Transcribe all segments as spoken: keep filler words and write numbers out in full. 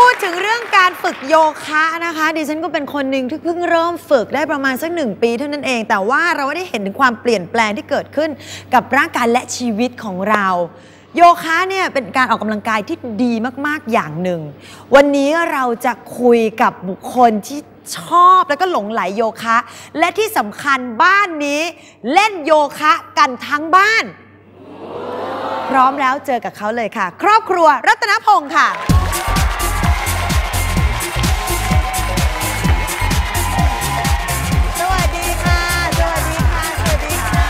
พูดถึงเรื่องการฝึกโยคะนะคะดิฉันก็เป็นคนหนึ่งที่เพิ่งเริ่มฝึกได้ประมาณสักหนึ่งปีเท่านั้นเองแต่ว่าเราได้เห็นถึงความเปลี่ยนแปลงที่เกิดขึ้นกับร่างกายและชีวิตของเราโยคะเนี่ยเป็นการออกกำลังกายที่ดีมากๆอย่างหนึ่งวันนี้เราจะคุยกับบุคคลที่ชอบแล้วก็หลงไหลโยคะและที่สำคัญบ้านนี้เล่นโยคะกันทั้งบ้านพร้อมแล้วเจอกับเขาเลยค่ะครอบครัวรัตนพงศ์ค่ะสวัสดีค่ะสวัสดีค่ะสวัสดีค่ะ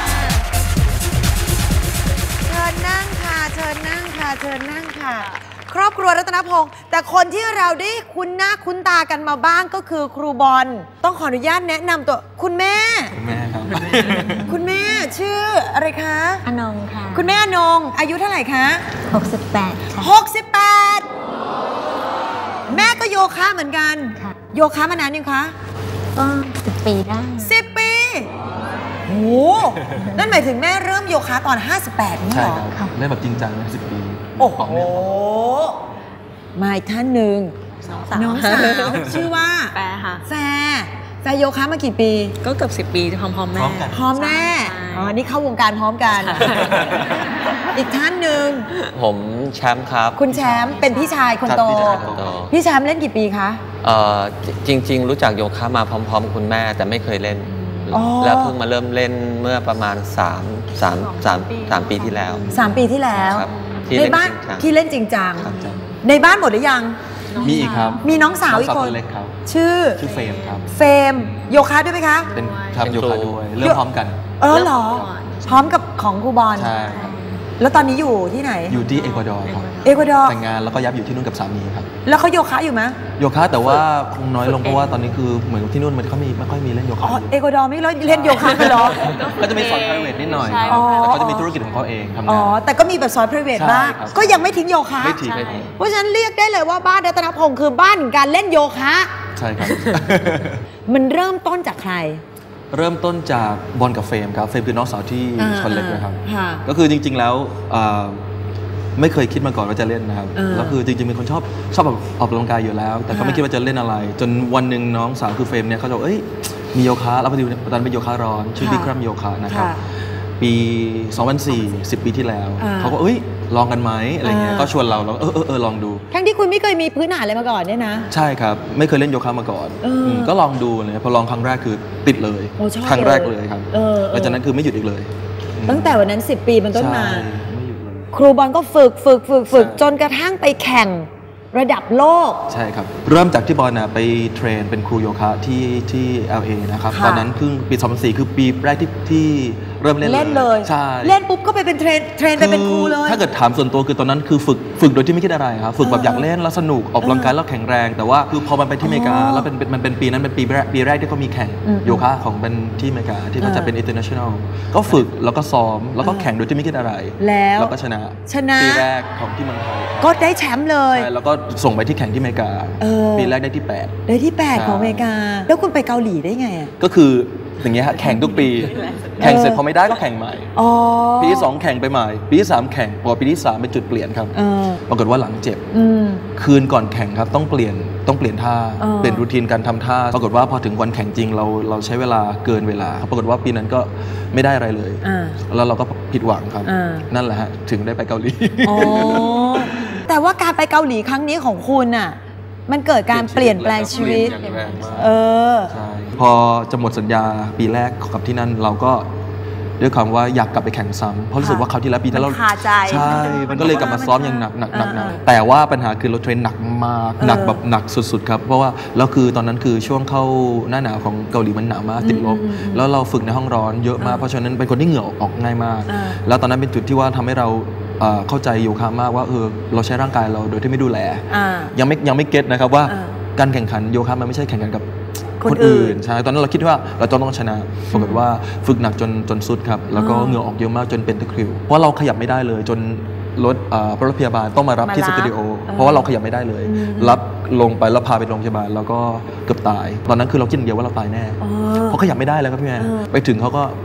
เชิญนั่งค่ะเชิญนั่งค่ะเชิญนั่งค่ะครอบครัวรัตนพงศ์แต่คนที่เราได้คุ้นหน้าคุ้นตากันมาบ้างก็คือครูบอลต้องขออนุญาตแนะนำตัวคุณแม่คุณแม่ครับคุณแม่ชื่ออะไรคะอนงค่ะคุณแม่อนงอายุเท่าไหร่คะหกสิบแปดค่ะหกสิบแปดแม่ก็โยคะเหมือนกันค่ะโยคะมานานยังคะก็สิบปีได้สิบปีโอ้นั่นหมายถึงแม่เริ่มโยคะตอนห้าสิบแปดนี่เหรอใช่ครับเล่นแบบจริงจังสิบปีโอ้โหมาอีกท่านหนึ่งน้องสาวชื่อว่าแฟร์ค่ะแฟร์แฟร์โยคะมากี่ปีก็เกือบสิบปีพร้อมๆแม่พร้อมแม่อ๋อนี่เข้าวงการพร้อมกันอีกท่านหนึ่งผมแชมป์ครับคุณแชมป์เป็นพี่ชายคนโตพี่แชมป์เล่นกี่ปีคะเอ่อจริงๆรู้จักโยคะมาพร้อมๆคุณแม่แต่ไม่เคยเล่นแล้วเพิ่งมาเริ่มเล่นเมื่อประมาณสาม สาม สาม สามปีที่แล้วสามปีที่แล้วในบ้านที่เล่นจริงจังในบ้านหมดหรือยังมีอีกครับมีน้องสาวอีกคนชื่อชื่อเฟมครับเฟมโยคะด้วยไหมคะเป็นทำโยคะด้วยเริ่มพร้อมกันเออเหรอพร้อมกับของครูบอลใช่ครับแล้วตอนนี้อยู่ที่ไหนอยู่ที่เอกวาดอร์ครับเอกวาดอร์แต่งงานแล้วก็ย้ายอยู่ที่นู่นกับสามีครับแล้วเขาโยคะอยู่ไหมโยคะแต่ว่าคงน้อยลงเพราะว่าตอนนี้คือเหมือนที่นู่นมันเขามีไม่ค่อยมีเล่นโยคะอ๋อเอกวาดอร์ไม่เล่นโยคะกันหรอก็จะมีสอน private นิดหน่อยแต่เขาจะมีธุรกิจของเขาเองทำงานอ๋อแต่ก็มีแบบสอน private บ้างก็ยังไม่ทิ้งโยคะไม่ทิ้งไม่ทิ้งเพราะฉะนั้นเรียกได้เลยว่าบ้านรัตนพงศ์คือบ้านการเล่นโยคะใช่ครับมันเริ่มต้นจากใครเริ่มต้นจากบอลกับเฟรมครับเฟรมคือน้องสาวที่ชนเล็กนะครับก็คือจริงๆแล้วไม่เคยคิดมาก่อนว่าจะเล่นนะครับแล้วคือจริงๆเป็นคนชอบชอบแบบออกกำลังกายอยู่แล้วแต่ก็ไม่คิดว่าจะเล่นอะไรจนวันหนึ่งน้องสาวคือเฟรมเนี่ยเขาบอกเอ้ยมีโยคะแล้วพอดีตอนเป็นโยคะร้อนชื่อบิ๊กรัมโยคะนะครับปีสองพันสี่ สิบปีที่แล้วเขาก็เอ้ยลองกันไหมอะไรเงี้ยก็ชวนเราเราเออเออเออลองดูทั้งที่คุณไม่เคยมีพื้นฐานอะไรมาก่อนเนี่ยนะใช่ครับไม่เคยเล่นโยคะมาก่อนก็ลองดูเลยพอลองครั้งแรกคือติดเลยครั้งแรกเลยครับหลังจากนั้นคือไม่หยุดอีกเลยตั้งแต่วันนั้นสิบปีเป็นต้นมาครูบอลก็ฝึกฝึกฝึกฝึกจนกระทั่งไปแข่งระดับโลกใช่ครับเริ่มจากที่บอลนะไปเทรนเป็นครูโยคะที่ที่ แอล เอ นะครับตอนนั้นเพิ่งปีสองพันสี่คือปีแรกที่ที่เริ่มเล่นเล่นเลยใช่เล่นปุ๊บก็ไปเป็นเทรนเทรนไปเป็นครูเลยถ้าเกิดถามส่วนตัวคือตอนนั้นคือฝึกฝึกโดยที่ไม่คิดอะไรครับฝึกแบบอยากเล่นแล้วสนุกออกกำลังกายแล้วแข็งแรงแต่ว่าคือพอมันไปที่อเมริกาแล้วเป็นมันเป็นปีนั้นเป็นปีแรกปีแรกที่เขามีแข่งโยคะของเป็นที่อเมริกาที่มันจะเป็น international ก็ฝึกแล้วก็ซ้อมแล้วก็แข่งโดยที่ไม่คิดอะไรแล้วก็ชนะชนะปีแรกของที่เมืองไทยก็ได้แชมป์เลยใช่แล้วก็ส่งไปที่แข่งที่อเมริกาปีแรกได้ที่แปดได้ที่แปดของอเมริกาแล้วคุณไปเกาหลีได้ไงอ่ะก็คืออย่างเงี้ยแข่งทุกปีแข่งเสร็จพอไม่ได้ก็แข่งใหม่ปีที่สองแข่งไปใหม่ปีที่สามแข่งพอปีที่สามเป็นจุดเปลี่ยนครับปรากฏว่าหลังเจ็บคืนก่อนแข่งครับต้องเปลี่ยนต้องเปลี่ยนท่าเปลี่ยนรูทีนการทำท่าปรากฏว่าพอถึงวันแข่งจริงเราเราใช้เวลาเกินเวลาปรากฏว่าปีนั้นก็ไม่ได้อะไรเลยแล้วเราก็ผิดหวังครับนั่นแหละฮะถึงได้ไปเกาหลีแต่ว่าการไปเกาหลีครั้งนี้ของคุณน่ะมันเกิดการเปลี่ยนแปลงชีวิตเออใช่พอจะหมดสัญญาปีแรกกับที่นั่นเราก็ด้วยความว่าอยากกลับไปแข่งซ้ำเพราะรู้สึกว่าคราวที่แล้วปีที่แล้วใช่มันก็เลยกลับมาซ้อมอย่างหนักหนักหนักหนักแต่ว่าปัญหาคือเราเทรนหนักมากหนักแบบหนักสุดๆครับเพราะว่าแล้วคือตอนนั้นคือช่วงเข้าหน้าหนาวของเกาหลีมันหนาวมากติดลบแล้วเราฝึกในห้องร้อนเยอะมากเพราะฉะนั้นเป็นคนที่เหงื่อออกง่ายมากแล้วตอนนั้นเป็นจุดที่ว่าทำให้เราเข้าใจโยคะมากว่าเออเราใช้ร่างกายเราโดยที่ไม่ดูแลยังไม่ยังไม่เก็ตนะครับว่าการแข่งขันโยคะมันไม่ใช่แข่งขันกับคนอื่นใช่ตอนนั้นเราคิดว่าเราต้องต้องชนะปรากฏว่าฝึกหนักจนจนสุดครับแล้วก็เหงื่อออกเยอะมากจนเป็นตะคริวเพราะเราขยับไม่ได้เลยจนรถรถพยาบาลต้องมารับที่สตูดิโอเพราะว่าเราขยับไม่ได้เลยรับลงไปแล้วพาไปโรงพยาบาลแล้วก็เกือบตายตอนนั้นคือเราคิดอย่างเดียวว่าเราตายแน่เพราะขยับไม่ได้แล้วครับพี่แม่ไปถึงเขาก็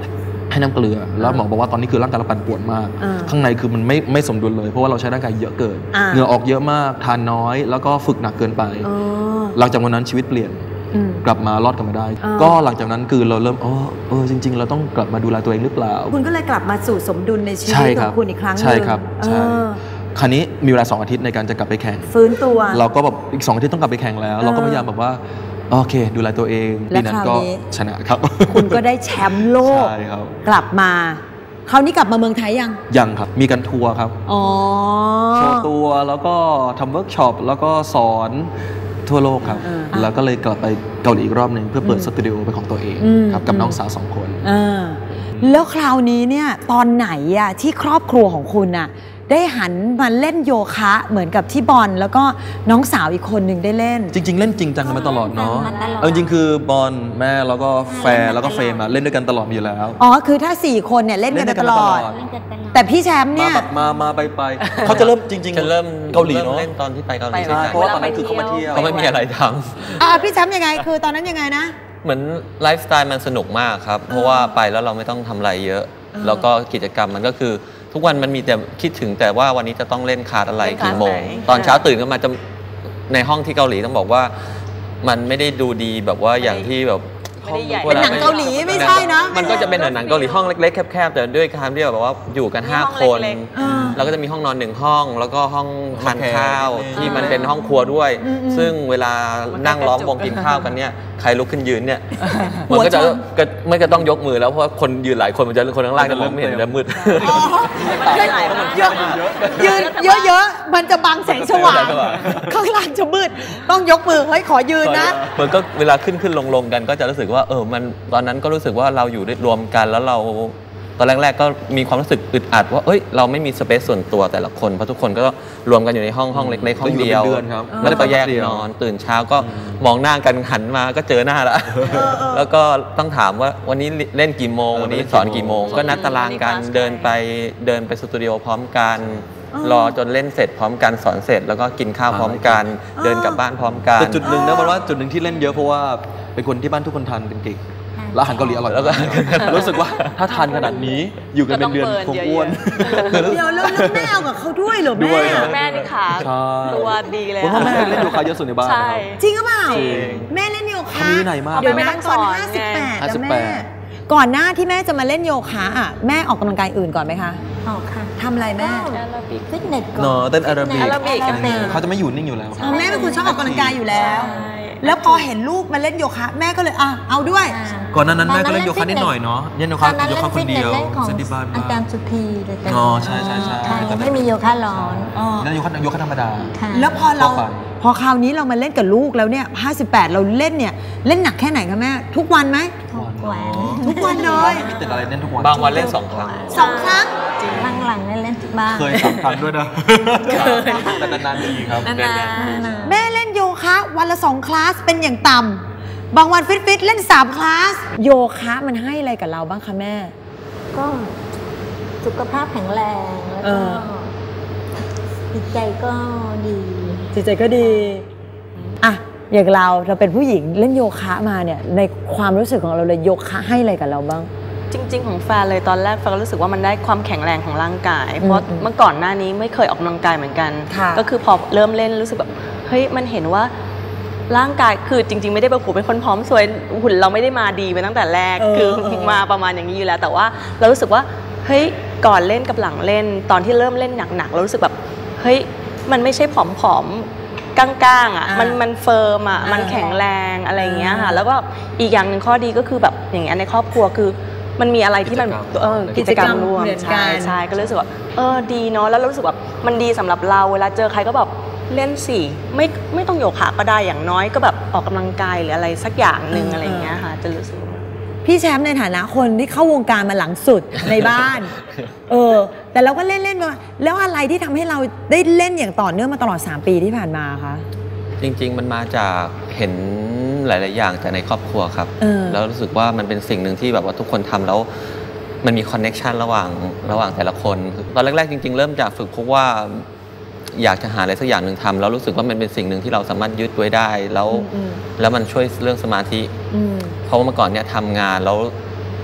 ให้น้ำเกลือแล้วหมอบอกว่าตอนนี้คือร่างกายเราปั่นป่วนมากข้างในคือมันไม่ไม่สมดุลเลยเพราะว่าเราใช้ร่างกายเยอะเกินเหงื่อออกเยอะมากทานน้อยแล้วก็ฝึกหนักเกินไปหลังจากวันนั้นชีวิตเปลี่ยนกลับมารอดกลับมาได้ก็หลังจากนั้นคือเราเริ่มอ๋อเออจริงๆเราต้องกลับมาดูแลตัวเองหรือเปล่าคุณก็เลยกลับมาสู่สมดุลในชีวิตของคุณอีกครั้งนึงใช่ครับใช่คราวนี้มีเวลาสองอาทิตย์ในการจะกลับไปแข่งฟื้นตัวเราก็แบบอีกสองอาทิตย์ต้องกลับไปแข่งแล้วเราก็พยายามแบบว่าโอเคดูแลตัวเองปีนั้นก็ชนะครับคุณก็ได้แชมป์โลกกลับมาคราวนี้กลับมาเมืองไทยยังยังครับมีการทัวร์ครับโชว์ตัวแล้วก็ทำเวิร์กช็อปแล้วก็สอนทั่วโลกครับแล้วก็เลยกลับไปเกาหลีอีกรอบหนึ่งเพื่อเปิดสตูดิโอเป็นของตัวเองครับกับน้องสาวสองคนแล้วคราวนี้เนี่ยตอนไหนอะที่ครอบครัวของคุณอะได้หันมาเล่นโยคะเหมือนกับที่บอลแล้วก็น้องสาวอีกคนหนึ่งได้เล่นจริงๆเล่นจริงจังกันมาตลอดเนาะเออจริงคือบอลแม่แล้วก็แฟร์แล้วก็เฟรมอะเล่นด้วยกันตลอดอยู่แล้วอ๋อคือถ้าสี่คนเนี่ยเล่นกันตลอดแต่พี่แชมป์เนี่ยมามาไปไปเขาจะเริ่มจริงๆจะเริ่มเกาหลีเนาะเล่นตอนที่ไปเกาหลีเพราะว่าตอนนั้นคือเขามาเที่ยวเขาไม่มีอะไรทำอ่าพี่แชมป์ยังไงคือตอนนั้นยังไงนะเหมือนไลฟ์สไตล์มันสนุกมากครับเพราะว่าไปแล้วเราไม่ต้องทำอะไรเยอะแล้วก็กิจกรรมมันก็คือทุกวันมันมีแต่คิดถึงแต่ว่าวันนี้จะต้องเล่นคาร์ดอะไรกี่โมงตอนเช้าตื่นขึ้นมาจะในห้องที่เกาหลีต้องบอกว่ามันไม่ได้ดูดีแบบว่าอย่างที่แบบเป็นหนังเกาหลีไม่ใช่นะมันก็จะเป็นหนังเกาหลีห้องเล็กๆแคบๆแต่ด้วยการที่แบบว่าอยู่กันห้าคนแล้วก็จะมีห้องนอนหนึ่งห้องแล้วก็ห้องทานข้าวที่มันเป็นห้องครัวด้วยซึ่งเวลานั่งล้อมวงกินข้าวกันเนี่ยใครลุกขึ้นยืนเนี่ยมันก็จะไม่ก็ต้องยกมือแล้วเพราะว่าคนยืนหลายคนมันจะคนข้างล่างจะมองไม่เห็นจะมืดยืนเยอะๆมันจะบังแสงสว่างข้างล่างจะมืดต้องยกมือเฮ้ยขอยืนนะมันก็เวลาขึ้นขึ้นลงลงกันก็จะรู้สึกว่าเออมันตอนนั้นก็รู้สึกว่าเราอยู่รวมกันแล้วเราตอนแรกๆก็มีความรู้สึกอึดอัดว่าเอ้ยเราไม่มีสเปซส่วนตัวแต่ละคนเพราะทุกคนก็รวมกันอยู่ในห้องห้องเล็กๆห้องเดียวแล้วก็แยกนอนตื่นเช้าก็มองหน้ากันหันมาก็เจอหน้าแล้วแล้วก็ต้องถามว่าวันนี้เล่นกี่โมงวันนี้สอนกี่โมงก็นัดตารางกันเดินไปเดินไปสตูดิโอพร้อมกันรอจนเล่นเสร็จพร้อมกันสอนเสร็จแล้วก็กินข้าวพร้อมกันเดินกลับบ้านพร้อมกันแต่จุดหนึ่งนะมันว่าจุดหนึ่งที่เล่นเยอะเพราะว่าเป็นคนที่บ้านทุกคนทานเป็นเก่งแล้วอาหารเกาหลีอร่อยแล้วก็รู้สึกว่าถ้าทานขนาดนี้อยู่กันเป็นเดือนคงอ้วนเดี๋ยวแล้วแม่เอากับเขาด้วยเหรอแม่แม่นี่ขาตัวดีเลยเพราะแม่เล่นโยคะเยอะสุดในบ้านจริงหรือเปล่าแม่เล่นโยคะมีไหนมากเดี๋ยวแม่ตอนห้าสิบแปดแล้วแม่ก่อนหน้าที่แม่จะมาเล่นโยคะอ่ะแม่ออกกำลังกายอื่นก่อนไหมคะออกค่ะทำอะไรแม่ฟิตเนสก่อนเนาะเต้นแอโรบิกเขาจะไม่อยู่นิ่งอยู่แล้วแม่เป็นคนชอบออกกำลังกายอยู่แล้วแล้วพอเห็นลูกมาเล่นโยคะแม่ก็เลยอ่ะเอาด้วยก่อนนั้นนั้นแม่ก็เล่นโยคะนิดหน่อยเนาะเล่นโยคะโยคะคนเดียวเซนติบาลอาจารย์สุพีเลยอ๋อใช่ใช่ใช่ไม่มีโยคะร้อนแล้วโยคะโยคะธรรมดาแล้วพอเราพอคราวนี้เรามาเล่นกับลูกแล้วเนี่ยห้าสิบแปดเราเล่นเนี่ยเล่นหนักแค่ไหนคะแม่ทุกวันไหมทุกวันทุกวันเลยติดอะไรเล่นทุกวันบางวันเล่นสองครั้งสองครั้งหลังๆเล่นบ้างเคยสองครั้งด้วยนะแต่นานๆทีครับแม่เล่นโยคะวันละสองคลาสเป็นอย่างต่ำบางวันฟิตๆเล่นสามคลาสโยคะมันให้อะไรกับเราบ้างคะแม่ก็สุขภาพแข็งแรงแล้วก็จิตใจก็ดีจิตใจก็ดีอ่ะอย่างเราเราเป็นผู้หญิงเล่นโยคะมาเนี่ยในความรู้สึกของเราเลยโยคะให้อะไรกับเราบ้างจริงๆของแฟนเลยตอนแรกแฟนก็รู้สึกว่ามันได้ความแข็งแรงของร่างกายเพราะเมื่อก่อนหน้านี้ไม่เคยออกกำลังกายเหมือนกันก็คือพอเริ่มเล่นรู้สึกแบบเฮ้ยมันเห็นว่าร่างกายคือจริงๆไม่ได้แบบหูเป็นคนพร้อมสวยหุ่นเราไม่ได้มาดีไปตั้งแต่แรกคือมาประมาณอย่างนี้อยู่แล้วแต่ว่าเรารู้สึกว่าเฮ้ยก่อนเล่นกับหลังเล่นตอนที่เริ่มเล่นหนักๆเรารู้สึกแบบเฮ้ยมันไม่ใช่ผอมๆก้างๆอ่ะมันมันเฟิร์มอ่ะมันแข็งแรงอะไรอย่างเงี้ยค่ะแล้วก็อีกอย่างหนึ่งข้อดีก็คือแบบอย่างเงี้ยในครอบครัวคือมันมีอะไรที่มันเออกิจกรรมร่วมใช่ใช่ก็รู้สึกว่าเออดีเนาะแล้วรู้สึกว่ามันดีสำหรับเราเวลาเจอใครก็แบบเล่นสิไม่ไม่ต้องโยคะก็ได้อย่างน้อยก็แบบออกกำลังกายหรืออะไรสักอย่างหนึ่งอะไรอย่างเงี้ยค่ะจะรู้สึกพี่แชมป์ในฐานะคนที่เข้าวงการมาหลังสุดในบ้านเออแต่เราก็เล่นเล่นมาแล้วอะไรที่ทำให้เราได้เล่นอย่างต่อเนื่องมาตลอดสามปีที่ผ่านมาคะจริงๆมันมาจากเห็นหลายๆอย่างจากในครอบครัวครับแล้วรู้สึกว่ามันเป็นสิ่งหนึ่งที่แบบว่าทุกคนทำแล้วมันมีคอนเน็กชันระหว่างระหว่างแต่ละคนตอนแรกๆจริงๆเริ่มจากฝึกเพราะว่าอยากจะหาอะไรสักอย่างหนึ่งทำแล้วรู้สึกว่ามันเป็นสิ่งหนึ่งที่เราสามารถยึดไว้ได้แล้วแล้วมันช่วยเรื่องสมาธิเพราะว่าเมื่อก่อนเนี่ยทำงานแล้ว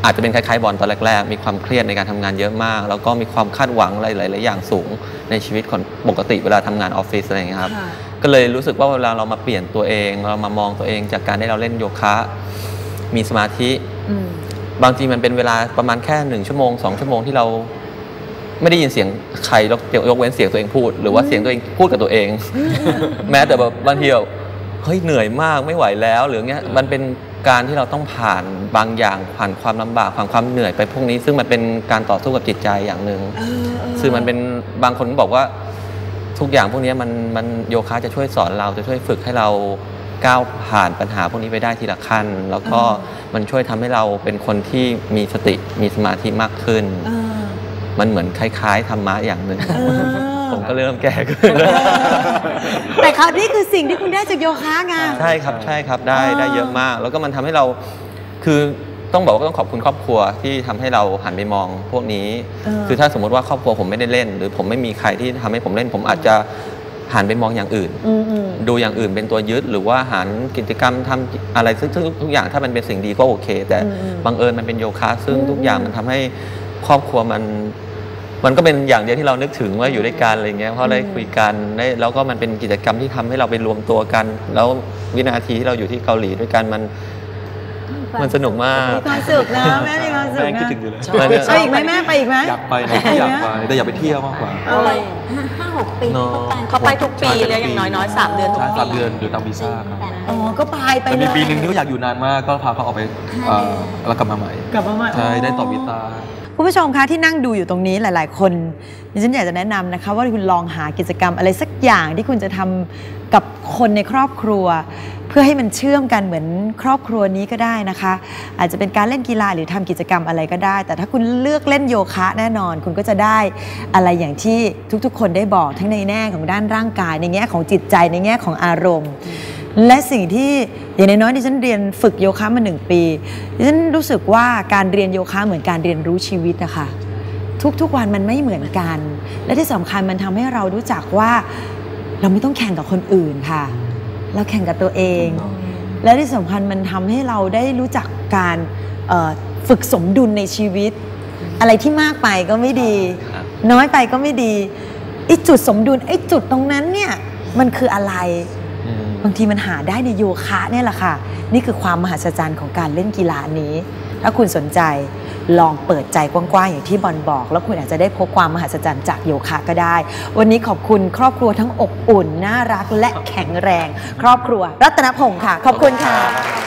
อาจจะเป็นคล้ายๆบอลตอนแรกๆมีความเครียดในการทำงานเยอะมากแล้วก็มีความคาดหวังหลายๆอย่างสูงในชีวิตคนปกติเวลาทำงานออฟฟิศอะไรอย่างเงี้ยครับก็เลยรู้สึกว่าเวลาเรามาเปลี่ยนตัวเองเรามามองตัวเองจากการที่เราเล่นโยคะมีสมาธิบางทีมันเป็นเวลาประมาณแค่หนึ่งชั่วโมงสองชั่วโมงที่เราไม่ได้ยินเสียงใครยกเว้นเสียงตัวเองพูดหรือว่าเสียงตัวเองพูดกับตัวเองแม้แต่แบบบางทีแบบเฮ้ยเหนื่อยมากไม่ไหวแล้วหรือเงี้ยมันเป็นการที่เราต้องผ่านบางอย่างผ่านความลำบากผ่านความเหนื่อยไปพวกนี้ซึ่งมันเป็นการต่อสู้กับจิตใจอย่างหนึ่งซึ่งมันเป็นบางคนบอกว่าทุกอย่างพวกนี้มันมันโยคะจะช่วยสอนเราจะช่วยฝึกให้เราก้าวผ่านปัญหาพวกนี้ไปได้ทีละขั้นแล้วก็มันช่วยทำให้เราเป็นคนที่มีสติมีสมาธิมากขึ้นมันเหมือนคล้ายๆธรรมะอย่างหนึ่งผมก็เริ่มแก่ขึ้นแต่ครับนี่คือสิ่งที่คุณได้จากโยคะไงใช่ครับใช่ครับได้ได้เยอะมากแล้วก็มันทำให้เราคือต้องบอกว่าต้องขอบคุณครอบครัวที่ทำให้เราหันไปมองพวกนี้คือถ้าสมมติว่าครอบครัวผมไม่ได้เล่นหรือผมไม่มีใครที่ทำให้ผมเล่นผมอาจจะหันไปมองอย่างอื่นดูอย่างอื่นเป็นตัวยึดหรือว่าหันกิจกรรมทำอะไรซึ่งทุกอย่างถ้ามันเป็นสิ่งดีก็โอเคแต่บังเอิญมันเป็นโยคะซึ่งทุกอย่างมันทำให้ครอบครัวมันมันก็เป็นอย่างเดียวที่เรานึกถึงว่าอยู่ด้วยกันอะไรเงี้ยเพราะได้คุยกันได้แล้วก็มันเป็นกิจกรรมที่ทำให้เราไปรวมตัวกันแล้ววินาทีที่เราอยู่ที่เกาหลีด้วยกันมันมันสนุกมากมีความสุขนะแม่มีความสุขนะแม่คิดถึงอยู่แล้วไปอีกไหมแม่ไปอีกไหมอยากไปนะอยากไปแต่อยากไปเที่ยวมากกว่าอะไรห้าหกปีเขาไปทุกปีเลยอย่างน้อยๆสามเดือนทุกปีสามเดือนหรือตามวีซ่าครับอ๋อก็ไปไปแต่มีปีหนึ่งที่อยากอยู่นานมากก็พาเขาออกไปแล้วกลับมาใหม่กลับมาใหม่ใช่ได้ต่อวีซ่าคุณผู้ชมคะที่นั่งดูอยู่ตรงนี้หลายๆคนดิฉันอยากจะแนะนำนะคะว่าคุณลองหากิจกรรมอะไรสักอย่างที่คุณจะทำกับคนในครอบครัวเพื่อให้มันเชื่อมกันเหมือนครอบครัวนี้ก็ได้นะคะอาจจะเป็นการเล่นกีฬาหรือทำกิจกรรมอะไรก็ได้แต่ถ้าคุณเลือกเล่นโยคะแน่นอนคุณก็จะได้อะไรอย่างที่ทุกๆคนได้บอกทั้งในแง่ของด้านร่างกายในแง่ของจิตใจในแง่ของอารมณ์และสิ่งที่อย่างน้อยๆดิฉันเรียนฝึกโยคะมาหนึ่งปีดิฉันรู้สึกว่าการเรียนโยคะเหมือนการเรียนรู้ชีวิตนะคะทุกๆวันมันไม่เหมือนกันและที่สำคัญมันทำให้เรารู้จักว่าเราไม่ต้องแข่งกับคนอื่นค่ะเราแข่งกับตัวเองและที่สำคัญมันทำให้เราได้รู้จักการฝึกสมดุลในชีวิตอะไรที่มากไปก็ไม่ดีน้อยไปก็ไม่ดีไอ้จุดสมดุลไอ้จุดตรงนั้นเนี่ยมันคืออะไรบางทีมันหาได้ในโยคะเนี่ยแหละค่ะนี่คือความมหัศจรรย์ของการเล่นกีฬานี้ถ้าคุณสนใจลองเปิดใจกว้างๆอย่างที่บอลบอกแล้วคุณอาจจะได้พบความมหัศจรรย์จากโยคะก็ได้วันนี้ขอบคุณครอบครัวทั้งอบอุ่นน่ารักและแข็งแรงครอบครัวรัตนพงศ์ค่ะขอบคุณค่ะ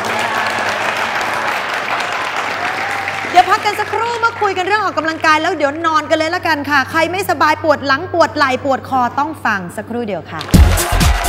เดี๋ยวพักกันสักครู่มาคุยกันเรื่องออกกำลังกายแล้วเดี๋ยวนอนกันเลยละกันค่ะใครไม่สบายปวดหลังปวดไหล่ปวดคอต้องฟังสักครู่เดียวค่ะ